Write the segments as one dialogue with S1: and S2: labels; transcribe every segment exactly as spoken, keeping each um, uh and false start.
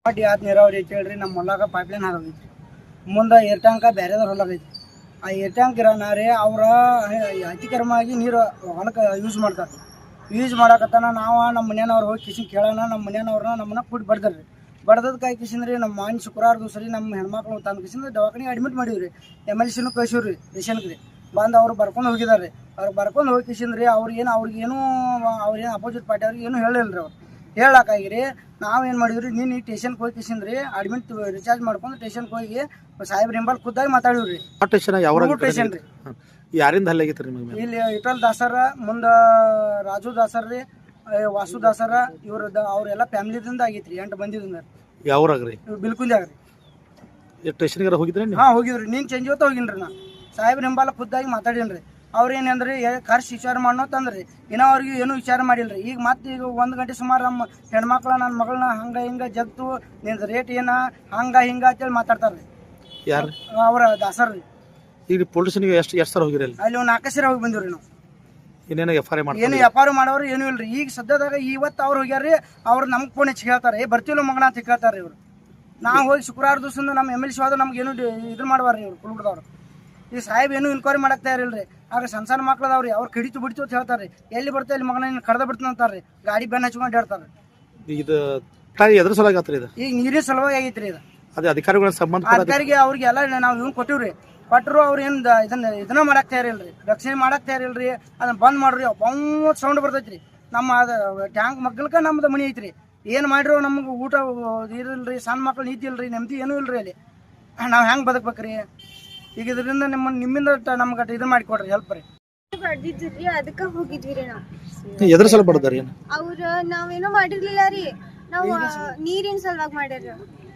S1: ಪಾಟಿ ಯಾತ್ ನೀರಾವರಿ ಐತಿ ಹೇಳ್ರಿ. ನಮ್ಮ ಹೊಲಾಗ ಪೈಪ್ಲೈನ್ ಹಾಕೈತಿ, ಮುಂದೆ ಏರ್ ಟ್ಯಾಂಕ ಬೇರೆದವ್ರ ಹೊಲಾಗೈತಿ. ಆ ಏರ್ ಟ್ಯಾಂಕ್ ಇರೋನಾರೇ ಅವ್ರ ಅತಿಕ್ರಮವಾಗಿ ನೀರು ಹೊಲಕ್ಕೆ ಯೂಸ್ ಮಾಡ್ತಾರೆ. ಯೂಸ್ ಮಾಡಕತ್ತಾನ ನಾವು ನಮ್ಮ ಮನೆಯವ್ರು ಹೋಗಿ ಕಿಶನ್ ಕೇಳೋಣ. ನಮ್ಮ ಮನೆಯವ್ರನ್ನ ನಮ್ಮನ್ನ ಕೂಡಿ ಬಡ್ದಾರ್ರಿ. ಬಡ್ದದ ಕೈ ಕಿಶನ್ರಿ ನಮ್ಮ ಮಾನ್ ಶುಕ್ರವಾರ ದಿವಸ ರೀ ನಮ್ಮ ಹೆಣ್ಮಕ್ಳು ತಂದು ಕಿಶನ್ ದವಾಖಾನೆಗೆ ಅಡ್ಮಿಟ್ ಮಾಡಿವ್ರಿ. ಎಮ್ ಎಲ್ ಸಿನೂ ಕಳ್ಸಿವ್ರಿ ಪೇಷಂಟ್ಗೆ ಬಂದು ಅವ್ರು ಬರ್ಕೊಂಡು ಹೋಗಿದಾರೆ. ಅವ್ರು ಬರ್ಕೊಂಡು ಹೋಗಿ ಕಿಶನ್ರಿ ಅವ್ರಿಗೇನು ಅವ್ರಿಗೇನು ಅವ್ರೇನು ಅಪೋಸಿಟ್ ಪಾರ್ಟಿ ಅವ್ರಿಗೆ ಏನು ಹೇಳಿಲ್ಲ ರೀ. ಅವ್ರು ಹೇಳಕ್ಕಾಗಿರಿ ನಾವೇನು ಮಾಡಿದ್ರಿ, ನೀನು ಈ ಟೇಷನ್ಗೆ ಹೋಗಿ ಕಿಶನ್ರಿ ಅಡ್ಮಿಟ್ ರಿಚಾರ್ಜ್ ಮಾಡ್ಕೊಂಡು ಟೇಷನ್ಗೆ ಹೋಗಿ ಸಾಹೇಬ್ರ ಹಿಂಬಲ್ ಖುದ್ದಾಗಿ ಮಾತಾಡಿವ್ರಿ. ಟೇಷನ್ ರೀ
S2: ಯಾರಿಂದ ಹಲ್ಲೆ ಆಗೈತ್ರಿ ನಿಮಗೆ?
S1: ಇಲ್ಲಿ ಇಟಲ್ ದಾಸರ ಮುಂದೆ ರಾಜು ದಾಸರ್ ರೀ, ವಾಸು ದಾಸರ ಇವ್ರ ಅವ್ರೆಲ್ಲ ಫ್ಯಾಮಿಲಿದಿಂದ ಆಗೈತ್ರಿ. ಎಂಟು ಬಂದಿದ್ದ
S2: ಯಾವ್ರಾಗ್ರಿ?
S1: ಬಿಲ್ಕುಂದ್ಯಾಗ
S2: ರೀ. ಸ್ಟೇಷನ್ಗಾರ ಹೋಗಿದ್ರಿ?
S1: ಹಾಂ ಹೋಗಿದ್ರಿ. ನೀನು ಚಂಜಿ ಹೊತ್ತ ಹೋಗಿನ್ರಿ. ನಾ ಸಾಹೇಬ್ರ ಹಿಂಬಾಲ ಖುದ್ದಾಗಿ ಮಾತಾಡೀನಿ. ಅವ್ರು ಏನಂದ್ರಿ ಖರ್ಚು ವಿಚಾರ ಮಾಡೋ ತಂದ್ರಿ. ಇನ್ನೂ ಅವ್ರಿಗೆ ಏನೂ ವಿಚಾರ ಮಾಡಿಲ್ರಿ. ಈಗ ಮತ್ತೆ ಈಗ ಒಂದು ಗಂಟೆ ಸುಮಾರು ನಮ್ಮ ಹೆಣ್ಮಕ್ಳ ನನ್ನ ಮಗಳನ್ನ ಹಂಗೆ ಹಿಂಗೆ ಜಗ್ತು ನಿಂದು ರೇಟ್ ಏನ ಹಂಗೆ ಹಿಂಗೆ ಅಂತೇಳಿ ಮಾತಾಡ್ತಾರ್ರಿ.
S2: ಯಾರು?
S1: ಅವ್ರ ದಾಸರ್ ರೀ.
S2: ಈಗ ಪೊಲೀಸ್ ಸ್ಟೇಷನ್ಗೆ ಎಷ್ಟು ಎಷ್ಟು ಸರ್ ಹೋಗಿರಿ?
S1: ಅಲ್ಲಿ ಒಂದು ನಾಲ್ಕು ಸರಿ ಹೋಗಿ ಬಂದಿವ್ರಿ ನಾವು.
S2: ಏನೇನು ಎಫ್ ಐ ಆರ್ ಮಾಡಿ
S1: ಏನು ಎಫ್ ಐ ಆರ್ ಮಾಡೋರು ಏನೂ ಇಲ್ರಿ. ಈಗ ಸದ್ಯದಾಗ ಇವತ್ತು ಅವ್ರು ಹೋಗ್ಯಾರ್ರಿ. ಅವ್ರು ನಮ್ಗೆ ಫೋನ್ ಹೆಚ್ಚು ಹೇಳ್ತಾರೆ, ಏ ಬರ್ತೀವಿಲ್ಲ ಮಗನ ಅಂತ ಕೇಳ್ತಾರೆ ಇವ್ರು. ನಾವು ಹೋಗಿ ಶುಕ್ರವಾರ ದಿವಸದಿಂದ ನಮ್ಮ ಎಮ್ ಎಲ್ ಸಿ ಹೋದ್ರೆ ನಮ್ಗೆ ಏನು ಇದು ಮಾಡ್ಬಾರ್ರಿ ಇವ್ರು ಕುಲ್ಬಿಡ್ದವ್ರು. ಈ ಸಾಹೇಬ್ ಏನು ಇನ್ಕ್ವೈರಿ ಮಾಡಕ್ತಾ ಇರಲ್ರಿ. ಆಗ ಸಣ್ಣ ಸಣ್ಣ ಮಕ್ಳದವ್ರಿ ಅವ್ರು ಕಡಿತು ಬಿಡ್ತು ಅಂತ ಹೇಳ್ತಾರೆ. ಎಲ್ಲಿ ಬರ್ತಾ ಇಲ್ಲಿ ಮಗನ ಕಡ್ದ ಬಿಡ್ತಾನೆ ಅಂತಾರ್ರಿ. ಗಾಡಿ ಬೆನ್ನ ಹಚ್ಕೊಂಡು ಹೇಳ್ತಾರೆ.
S2: ಇದು ಎದ್ರ ಸಲುವಾಗಿ ಆತ್ರಿ ಇದು? ಈಗ
S1: ನೀರಿನ ಸಲುವಾಗಿ ಆಗೈತ್ರಿ ಇದು.
S2: ಅದೇ ಅಧಿಕಾರಿಗಳ ಸಂಬಂಧ
S1: ಅಧಿಕಾರಿಗೆ ಅವ್ರಿಗೆ ಎಲ್ಲ ನಾವು ಇವ್ನು ಕೊಟ್ಟಿವ್ರಿ. ಕೊಟ್ಟರು ಅವ್ರು ಏನು ಇದನ್ನ ಇದನ್ನ ಮಾಡಕ್ ತಯಾರಿಲ್ರಿ, ರಕ್ಷಣೆ ಮಾಡಕ್ ತಯಾರಿಲ್ರಿ. ಅದನ್ನ ಬಂದ್ ಮಾಡ್ರಿ. ಬಂದ್ ಸೌಂಡ್ ಬರ್ತೈತ್ರಿ. ನಮ್ಮ ಅದು ಟ್ಯಾಂಕ್ ಮಗ್ಗಲ್ಕ ನಮ್ದು ಮನಿ ಐತ್ರಿ. ಏನು ಮಾಡಿರೋ ನಮ್ಗೆ ಊಟ ಇರಲ್ರಿ, ಸಣ್ಣ ಮಕ್ಳು ನೀತಿ ಇಲ್ರಿ, ನೆಮ್ಮದಿ ಏನೂ ಇಲ್ರಿ. ಅಲ್ಲಿ ನಾವು ಹೆಂಗೆ ಬದುಕ್ಬೇಕ್ರಿ? ಈಗ ಇದರಿಂದ ನಿಮ್ಮ ನಿಮ್ಮಿಂದ ನಮ್ಗೆ ಇದು ಮಾಡಿಕೊಡ್ರಿ, ಹೆಲ್ಪ್ ರೀ.
S3: ಬಡ್ದಿದ್ರಿ ಅದಕ್ಕ ಹೋಗಿದ್ವಿ ರೀ. ನಾವು
S2: ಎದ್ರ ಸಲ ಬಡದಾರಿ?
S3: ಅವ್ರ ನಾವೇನೋ ಮಾಡಿರ್ಲಿಲ್ಲ ರೀ. ನಾವು ನೀರಿನ ಸಲುವಾಗಿ ಮಾಡ್ಯಾರ.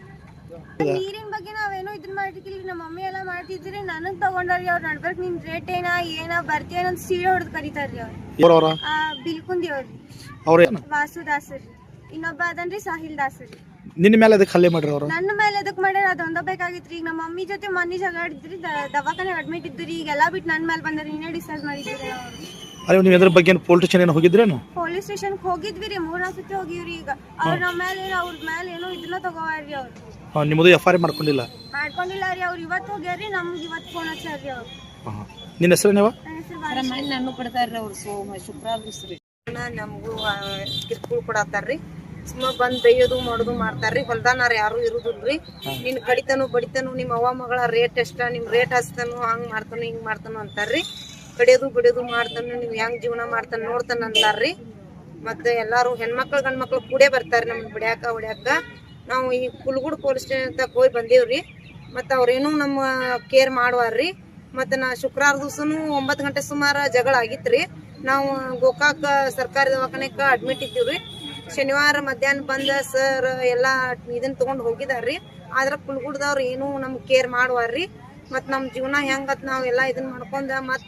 S3: ನೀರಿನ ಬಗ್ಗೆ ನಾವೇನೋ ಇದನ್ನ ಮಾಡಿರ್ಲಿಲ್ಲ. ನಮ್ಮ ಮಮ್ಮಿ ಎಲ್ಲ ಮಾಡ್ತಿದ್ರಿ. ನನಗ್ ತಗೊಂಡ್ರಿ. ಅವ್ರ ನಡ್ಬರ್ಕ್ ನಿನ್ ರೇಟ್ ಏನ ಏನ ಬರ್ತೀಯ ಅಂತ ಸೀರೆ ಹೊಡೆದ್ ಕರೀತಾರ್ರಿ. ಅವ್ರು ಬಿಲ್ಕುಂದಿ ಅವ್ರಿ. ವಾಸು ದಾಸರಿ. ಇನ್ನೊಬ್ಬ ಅದನ್ರಿ ಸಾಹಿಲ್ ದಾಸರಿ.
S2: ನಿನ್ನ ಮೇಲೆ ಅದಕ್ಕೆ ಹಲ್ಲೆ ಮಾಡ್ರಿ ಅವ್ರು?
S3: ನನ್ನ ಮೇಲೆ ಅದಕ್ಕೆ ಮಾಡ್ಯಾರ. ಅದೊಂದ ಬೇಕಾಗಿತ್ರಿ. ಈಗ ನಮ್ಮ ಮಮ್ಮಿ ಜೊತೆ ಮನಿ ಜಗಾಡಿದ್ರಿ, ದವಾಖಾನೆ ಅಡ್ಮಿಟ್ ಇದ್ರಿ. ಈಗೆಲ್ಲ ಬಿಟ್ಟು ನನ್ನ ಮೇಲೆ ಬಂದ್ರಿ. ನೀನೇ ಡಿಸೈಡ್ ಮಾಡಿದ್ರಿ.
S2: ಅರೆ ನೀವು ಇದ್ರ ಬಗ್ಗೆ ಪೊಲೀಸ್ ಸ್ಟೇಷನ್ ಏನು ಹೋಗಿದ್ರೇನು?
S3: ಪೊಲೀಸ್ ಸ್ಟೇಷನ್ ಹೋಗಿದ್ವಿ ರೀ. ಮೂರ್ ನಾಲ್ಕು ಸತಿ ಹೋಗಿವ್ರಿ. ಈಗ ಅವ್ರ ನಮ್ಮ ಮೇಲೆ ಅವ್ರ ಮೇಲೆ ಏನೋ ಇದನ್ನ ತಗೋವಾರ್ರಿ. ಅವ್ರು
S2: ನಿಮ್ಮದು ಎಫ್ ಐ ಆರ್ ಮಾಡ್ಕೊಂಡಿಲ್ಲ?
S3: ಮಾಡ್ಕೊಂಡಿಲ್ಲ ರೀ. ಅವ್ರು ಇವತ್ತು ಹೋಗ್ಯಾರ್ರಿ. ನಮ್ಗೆ ಇವತ್ತು ಫೋನ್ ಹಚ್ಚಾರ್ರಿ ಅವ್ರು.
S2: ನಿನ್ನ ಹೆಸರು? ನೀವು
S4: ನಾನು ಕೊಡ್ತಾರ್ರಿ ಅವ್ರು. ಸೋಮ ಶುಕ್ರವಾರ ದಿವಸ ರೀ ನಮಗೂ ಕಿರ್ಕುಳ್ ಕೊಡತ್ತಾರ್ರಿ. ಸುಮ್ಮ ಬಂದ್ ಬೈಯೋದು ಮಾಡೋದು ಮಾಡ್ತಾರ್ರಿ. ಹೊಲ್ದಾನಾರ ಯಾರು ಇರುದಿಲ್ರಿ. ನಿನ್ ಕಡಿತನು ಬಡಿತನು ನಿಮ್ಮ ಅವ್ವ ಮಗಳ ರೇಟ್ ಎಷ್ಟ, ನಿಮ್ ರೇಟ್ ಹಚ್ತಾನು, ಹಂಗ್ ಮಾಡ್ತಾನು ಹಿಂಗ್ ಮಾಡ್ತಾನು ಅಂತಾರ್ರಿ. ಕಡಿಯೋದು ಬಿಡೋದು ಮಾಡ್ತಾನು, ನೀವ್ ಹೆಂಗ್ ಜೀವನ ಮಾಡ್ತಾನ ನೋಡ್ತಾನ ಅಂತಾರ್ರಿ. ಮತ್ತೆ ಎಲ್ಲಾರು ಹೆಣ್ಮಕ್ಳು ಗಂಡ್ಮಕ್ಳು ಕೂಡೇ ಬರ್ತಾರ್ರಿ ನಮ್ಗೆ ಬಿಡ್ಯಾಕ ಹೊಡ್ಯಾಕ. ನಾವು ಈ ಕುಲ್ಗುಡ್ ಪೊಲೀಸ್ ಸ್ಟೇಷನ್ ತಕ ಹೋಗಿ ಬಂದೇವ್ರಿ. ಮತ್ತ ಅವ್ರೇನು ನಮ್ಮ ಕೇರ್ ಮಾಡುವಾರ್ರಿ. ಮತ್ತೆ ನಾ ಶುಕ್ರವಾರ ದಿವಸನು ಒಂಬತ್ತು ಗಂಟೆ ಸುಮಾರು ಜಗಳ ಆಗಿತ್ರಿ. ನಾವು ಗೋಕಾಕ್ ಸರ್ಕಾರಿ ದವಾಖಾನೆಕ ಅಡ್ಮಿಟ್ ಇದ್ದೀವ್ರಿ. ಶನಿವಾರ ಮಧ್ಯಾಹ್ನ ಬಂದ ಸರ್ ಎಲ್ಲಾ ಇದನ್ನ ತಗೊಂಡ್ ಹೋಗಿದಾರ್ರಿ. ಆದ್ರ ಕುಲ್ಗುಡ್ದವ್ರು ಏನು ನಮ್ಗೆ ಕೇರ್ ಮಾಡುವಾರ್ರಿ. ಮತ್ ನಮ್ ಜೀವನ ಹೆಂಗತ್ ನಾವ್ ಎಲ್ಲಾ ಇದನ್ನ ಮಾಡ್ಕೊಂಡ ಮತ್ತ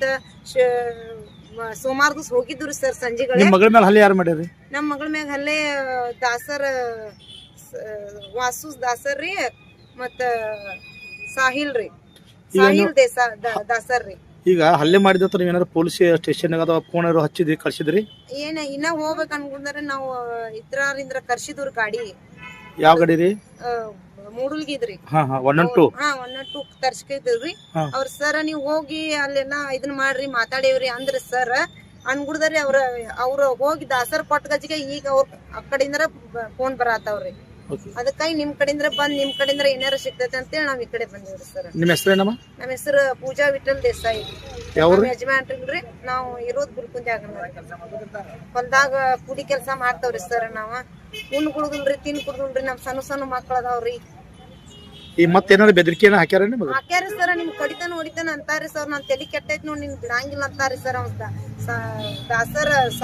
S4: ಸೋಮವಾರ ದಿವಸ ಹೋಗಿದ್ವಿ ಸರ್ ಸಂಜೆಗಳ.
S2: ನಿಮ್ಮ ಮಗಳ ಮೇಲೆ ಹಲ್ಲೆ ಯಾರು ಮಾಡ್ಯಾರಿ?
S3: ನಮ್ಮ ಮಗಳ ಮ್ಯಾಗ ಹಲ್ಲೆ ದಾಸರ್ ವಾಸು ದಾಸರ್ ರೀ, ಮತ್ತ ಸಾಹಿಲ್ ರೀ, ಸಾಹಿಲ್ ದೇಸಾ ದಾಸರ್ ರೀ.
S2: ಈಗ ಹಲ್ಲೆ ಮಾಡಿದ ನೀವು ಏನಾದ್ರು ಪೊಲೀಸ್ ಸ್ಟೇಷನ್ ಅಥವಾ ಫೋನ್ ಹಚ್ಚಿದ್ರಿ, ಕಳ್ಸಿದ್ರಿ?
S3: ಏನ ಇನ್ನ ಹೋಗ್ಬೇಕ ಅನ್ಕೊಂಡ್ರೆ ನಾವು ಇತರರಿಂದ ಕರ್ಸಿದ್ರಿ ಗಾಡಿ.
S2: ಯಾವ ಗಾಡಿ ರೀ?
S3: ಮೂಡಲ್ಗಿದ್ರಿ.
S2: ಹಾ ಹಾ ಒನ್ ಒನ್ ಟು
S3: ಹಾ ಒನ್ ಒನ್ ಟು ತರ್ಸ್ಕಿದ್ರಿ. ಅವ್ರ ಸರ್ ನೀವ್ ಹೋಗಿ ಅಲ್ಲೆಲ್ಲಾ ಇದನ್ ಮಾಡ್ರಿ ಮಾತಾಡೇವ್ರಿ ಅಂದ್ರ ಸರ್ ಅನ್ಗುಡ್ದಾರಿ. ಅವ್ರ ಅವ್ರ ಹೋಗಿ ದಾಸರ್ ಕೊಟ್ಟ ಗಜಿಗೆ ಈಗ ಅವ್ರ ಆ ಕಡೆಯಿಂದ ಫೋನ್ ಬರತ್ತಾವ್ರಿ. ಅದಕ್ಕಾಗಿ ನಿಮ್ ಕಡೆಯಿಂದ ಬಂದ್ ನಿಮ್ ಕಡೆಯಿಂದ ಏನಾರ ಸಿಗ್ತೈತೆ ಅಂತೇಳಿ ನಾವ್ ಈ ಕಡೆ ಬಂದಿವ್ರಿ ಸರ್.
S2: ನಿಮ್ಮ ಹೆಸರೇನಮ್ಮ?
S3: ನಮ್ಮ ಹೆಸರು ಪೂಜಾ ವಿಠಲ್ ದೇಸಾಯಿ. ಯಜಮಾನ್ರಿ. ನಾವು ಇರೋದ್ ಬಿಲ್ಕುಂದ್ಯಾಗ. ಹೊಲ್ದಾಗ ಕುಡಿ ಕೆಲ್ಸ ಮಾಡ್ತಾವ್ರಿ ಸರ್. ನಾವ ಉಣ್ ಕುಡುದಿಲ್ರಿ, ತಿನ್ ಕುಡುದಿಲ್ರಿ. ನಮ್ ಸಣ್ಣ ಸಣ್ಣ ಮಕ್ಳ ಅದಾವ್ರಿ.
S2: ಈ ಮತ್ತೇನಾದ್ರು ಬೆದರಿಕೆ ಹಾಕ್ಯಾರ?
S3: ಹಾಕ್ಯಾರಿ ಸರ್. ನಿಮ್ ಕಡಿತಾನ ಹೊಡಿತಾನ ಅಂತಾರಿ ಸರ್. ನಾನ್ ತಲಿ ಕೆಟ್ಟೈತ್ ನೋಡಿ ನಿನ್ ಬಿಡಂಗಿಲ್ಲ ಅಂತಾರಿ ಸರ್. ಅವ್ ದಾಸರ